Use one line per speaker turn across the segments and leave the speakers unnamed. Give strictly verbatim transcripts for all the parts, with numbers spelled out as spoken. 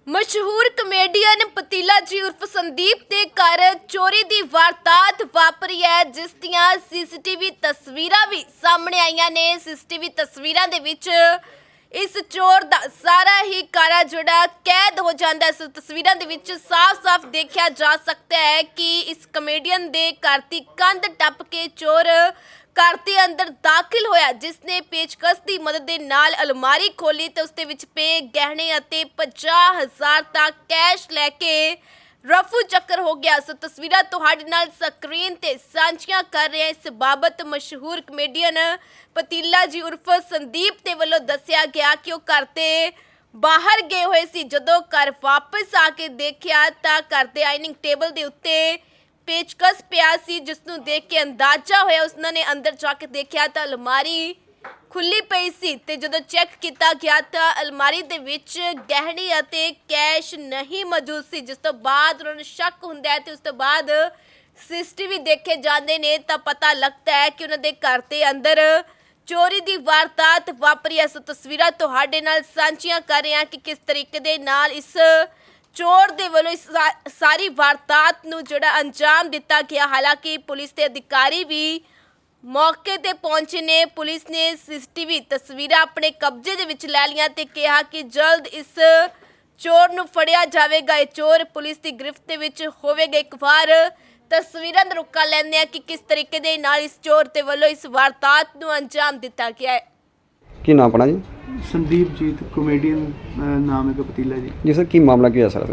ਮਸ਼ਹੂਰ ਕਮੇਡੀਅਨ ਪਤੀਲਾ ਜੀ ਉਰਫ ਸੰਦੀਪ ਦੇ ਘਰ ਚੋਰੀ ਦੀ ਵਾਰਦਾਤ ਵਾਪਰੀ ਹੈ, ਜਿਸ ਦੀਆਂ ਸੀਸੀਟੀਵੀ ਤਸਵੀਰਾਂ ਵੀ ਸਾਹਮਣੇ ਆਈਆਂ ਨੇ। ਸੀਸੀਟੀਵੀ ਤਸਵੀਰਾਂ ਦੇ ਵਿੱਚ ਇਸ ਚੋਰ ਦਾ ਸਾਰਾ ਹੀ ਕਾਰਾ ਜਿਹੜਾ ਕੈਦ ਹੋ ਜਾਂਦਾ ਹੈ। ਇਸ ਤਸਵੀਰਾਂ ਦੇ ਵਿੱਚ ਸਾਫ਼-ਸਾਫ਼ ਦੇਖਿਆ ਜਾ ਸਕਦਾ ਹੈ ਕਿ ਇਸ ਕਮੇਡੀਅਨ ਦੇ ਘਰ ਦੀ ਕੰਧ ਟੱਪ ਕੇ ਚੋਰ घर के अंदर दाखिल होया, जिसने पेचकस की मदद के नाल अलमारी खोली तो उसके विच पे गहने अते पचास हजार तक कैश लैके रफू चक्कर हो गया। सो तस्वीरां तुहाडे नाल स्क्रीन ते सांझियां कर रहे हैं। इस बाबत मशहूर कमेडियन पतीला जी उर्फ संदीप ते वल्लों दस्सिया गया कि वो घर ते बाहर गए हुए सी। जदों घर वापस आके देखिया तां घर दे डाइनिंग टेबल दे उत्ते पेचकस पिया सी, जिसनूं देख के अंदाजा होया उसने अंदर जाके देखा तो अलमारी खुली पई सी ते जदों चैक किया गया तो अलमारी दे विच गहने अते कैश नहीं मौजूद सी, जिस तो बाद उन्होंने शक हुंदा है ते उस तो बाद सीसीटीवी देखे जाते ने तो पता लगता है कि उन्होंने घर के अंदर चोरी की वारदात वापरी है। सो तस्वीरां तुहाडे नाल सांझियां कर रहे हैं कि किस तरीके दे नाल इस चोर दे वालों इस सारी वारदात नूं जिहड़ा अंजाम दिता गया। हालांकि पुलिस के अधिकारी भी मौके ते पहुंचे ने। पुलिस ने सीसीटीवी तस्वीरां अपने कब्जे दे विच लै लियां ते कहा कि जल्द इस चोर नूं फड़िया जावेगा। ये चोर पुलिस की गिरफ्त दे विच होवेगा। एक बार तस्वीरां दा रुका लैंदे आ कि किस तरीके दे नाल इस चोर दे वालों इस वारदात नूं अंजाम दिता गया है।
की नाम अपना जी?
संदीप जी, कॉमेडियन नाम है पतीला जी।
जी सर, की मामला की है सर?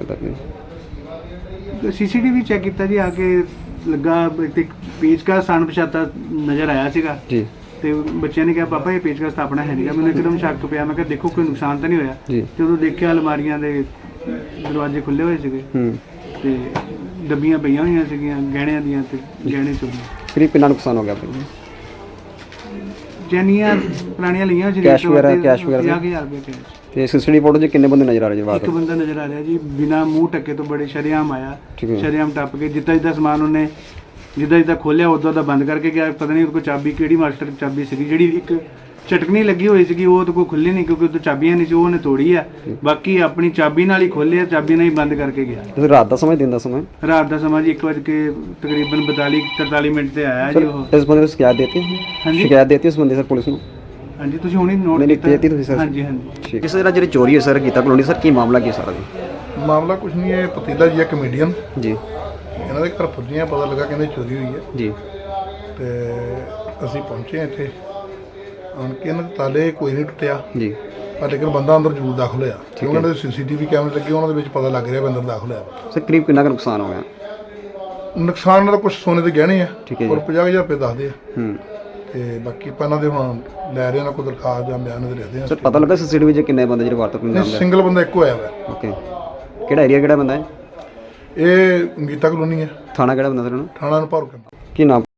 सीसीटीवी चेक किया जी, आके लगा एक पेचकस अणपछाता नज़र आया सीगा
जी।
ਤੇ ਬੱਚਿਆਂ ਨੇ ਕਿਹਾ ਪਾਪਾ ਇਹ ਪੇਚਕਸ ਤਾਂ ਆਪਣਾ ਹੈ ਨਹੀਂਗਾ। ਮੈਨੂੰ ਇੱਕਦਮ ਸ਼ੱਕ ਪਿਆ। ਮੈਂ ਕਿਹਾ ਦੇਖੋ ਕੋਈ ਨੁਕਸਾਨ ਤਾਂ ਨਹੀਂ ਹੋਇਆ। ਜਦੋਂ ਦੇਖਿਆ ਅਲਮਾਰੀਆਂ ਦੇ ਦਰਵਾਜ਼ੇ ਖੁੱਲੇ ਹੋਏ ਸੀਗੇ ਤੇ ਡੱਬੀਆਂ ਪਈਆਂ ਹੋਈਆਂ ਸੀਗੀਆਂ ਗਹਿਣਿਆਂ ਦੀਆਂ ਤੇ ਗਹਿਣੇ ਚੋਰੀ।
ਕਰੀਬ ਕਿੰਨਾ ਨੁਕਸਾਨ ਹੋ ਗਿਆ ਆਪਣਾ?
ਜੈਨੀਆਂ ਪੁਰਾਣੀਆਂ ਲਈਆਂ ਸੀ,
ਕੈਸ਼ ਵਗੈਰਾ ਕੈਸ਼ ਵਗੈਰਾ
ਪੰਜਾਹ ਹਜ਼ਾਰ ਰੁਪਏ ਕੈਸ਼।
ਤੇ ਸੀਸੀਟੀਵੀ ਫੋਟੋ 'ਚ ਕਿੰਨੇ ਬੰਦੇ ਨਜ਼ਰ ਆ ਰਹੇ ਜੀ? ਬਾਤ
ਇੱਕ ਬੰਦਾ ਨਜ਼ਰ ਆ ਰਿਹਾ ਜੀ, ਬਿਨਾ ਮੂੰਹ ਢੱਕੇ ਤੋਂ ਬੜੇ ਸ਼ਰੇਆਮ ਆਇਆ। ਸ਼ਰੇਆਮ ਟੱਪ ਕੇ ਜਿੱਦਾਂ ਜਿੱਦਾਂ ਸਮਾਨ ਉਹਨੇ ਜਿੱਦਾਂ ਜਿੱਦਾਂ ਖੋਲਿਆ ਉਦੋਂ ਦਾ ਬੰਦ ਕਰਕੇ ਗਿਆ। ਪਤਾ ਨਹੀਂ ਉਹਦੇ ਕੋਲ ਚਾਬੀ ਕਿਹੜੀ ਮਾਸਟਰ ਚਾਬੀ ਸੀਗੀ, ਜਿਹੜੀ ਇੱਕ ਚਟਕਣੀ ਲੱਗੀ ਹੋਈ ਸੀਗੀ ਉਹ ਉਹਦੇ ਕੋਲ ਖੁੱਲੀ ਨਹੀਂ ਕਿਉਂਕਿ ਉਹਦੇ ਚਾਬੀਆਂ ਨਹੀਂ ਸੀ, ਉਹ ਉਹਨੇ ਤੋੜੀ ਆ। ਬਾਕੀ ਆਪਣੀ ਚਾਬੀ ਨਾਲ ਹੀ ਖੋਲਿਆ, ਚਾਬੀ ਨਾਲ ਹੀ ਬੰਦ ਕਰਕੇ ਗਿਆ।
ਤੁਸੀਂ ਰਾਤ ਦਾ ਸਮਾਂ ਦਿਨ ਦਾ ਸਮਾਂ?
ਰਾਤ ਦਾ ਸਮਾਂ ਜੀ ਇੱਕ ਵਜੇ ਕੇ ਤਕਰੀਬਨ ਬਤਾਲੀ ਤਰਤਾਲੀ ਮਿੰਟ ਤੇ ਆਇਆ ਜੀ ਉਹ।
ਇਸ ਬੰਦੇ ਨੂੰ ਸ਼ਿਕਾਇਤ ਦੇਤੀ?
ਹਾਂਜੀ,
ਸ਼ਿਕਾਇਤ ਦੇਤੀ ਉਸ ਬੰਦੇ ਸਰ ਪੁਲਿਸ ਨੂੰ?
ਹਾਂਜੀ, ਤੁਸੀਂ ਹੁਣੀ ਨੋਟ
ਕੀਤੀ ਤੁਸੀਂ ਸਰ?
ਹਾਂਜੀ ਹਾਂਜੀ।
ਠੀਕ ਹੈ ਸਰ, ਜਿਹੜੀ ਚੋਰੀ ਹੈ ਸਰ ਕੀਤਾ ਕਲੋਨੀ ਸਰ, ਕੀ ਮਾਮਲਾ ਕੀ ਸਾਰਾ ਜੀ?
ਮਾਮਲਾ ਕੁਝ ਨਹੀਂ ਹੈ। ਪਤੀਲਾ ਜੀ ਹੈ ਕਮੇਡੀਅਨ
ਜੀ,
ਇਹਨਾਂ ਦੇ ਘਰ ਪੁੱਜੇ ਆ, ਪਤਾ ਲੱਗਾ ਕਹਿੰਦੇ ਚੋਰੀ ਹੋਈ ਹੈ
ਜੀ।
ਤੇ ਅਸੀਂ ਪਹੁੰਚੇ ਇੱਥੇ ਆਣ ਕੇ ਇਹਨਾਂ ਦੇ ਤਾਲੇ ਕੋਈ ਨਹੀਂ ਟੁੱਟਿਆ
ਜੀ,
ਪਰ ਲੇਕਿਨ ਬੰਦਾ ਅੰਦਰ ਜ਼ਰੂਰ ਦਾਖਲ ਹੋਇਆ ਕਿਉਂਕਿ ਉਹਨਾਂ ਦੇ ਸੀਸੀਟੀਵੀ ਕੈਮਰੇ ਲੱਗੇ, ਉਹਨਾਂ ਦੇ ਵਿੱਚ ਪਤਾ ਲੱਗ ਰਿਹਾ ਵੀ ਅੰਦਰ ਦਾਖਲ ਹੋਇਆ।
ਸਰ ਕਰੀਬ ਕਿੰਨਾ ਕੁ ਨੁਕਸਾਨ ਹੋ ਗਿਆ?
ਨੁਕਸਾਨ ਦਾ ਕੁਝ ਸੋਨੇ ਦੇ ਗਹਿਣੇ ਆ ਔਰ ਪੰਜਾਹ ਹਜ਼ਾਰ ਰੁਪਏ ਦੱਸਦੇ ਆ।
ਹੂੰ।
ਤੇ ਬਾਕੀ ਆਪਾਂ ਇਹਨਾਂ ਦੇ ਹੁਣ ਲੈ ਰਹੇ ਇਹਨਾਂ ਕੋਲ ਦਰਖਾਸਤ ਜਾਂ ਬਿਆਨ ਦੇ ਲਿਖਦੇ ਆ।
ਸਰ ਪਤਾ ਲੱਗਾ ਸੀਸੀਟੀਵੀ 'ਚ ਕਿੰਨੇ ਬੰਦੇ ਜਿਹੜੇ ਵਾਰਦਾਤ ਨੂੰ ਅੰਜਾਮ?
ਸਿੰਗਲ ਬੰਦਾ ਇੱਕੋ ਆਇਆ ਵਾ।
ਓਕੇ, ਕਿਹੜਾ ਏਰੀਆ ਕਿਹੜਾ ਬੰਦਾ ਹੈ?
ਇਹ ਗੀਤਾ ਕਲੋਨੀ ਹੈ।
ਥਾਣਾ ਕਿਹੜਾ ਬੰਦਾ ਸਰ?
ਥਾਣਾ ਨੂੰ ਭਰ ਕੇ।
ਕੀ ਨਾਮ?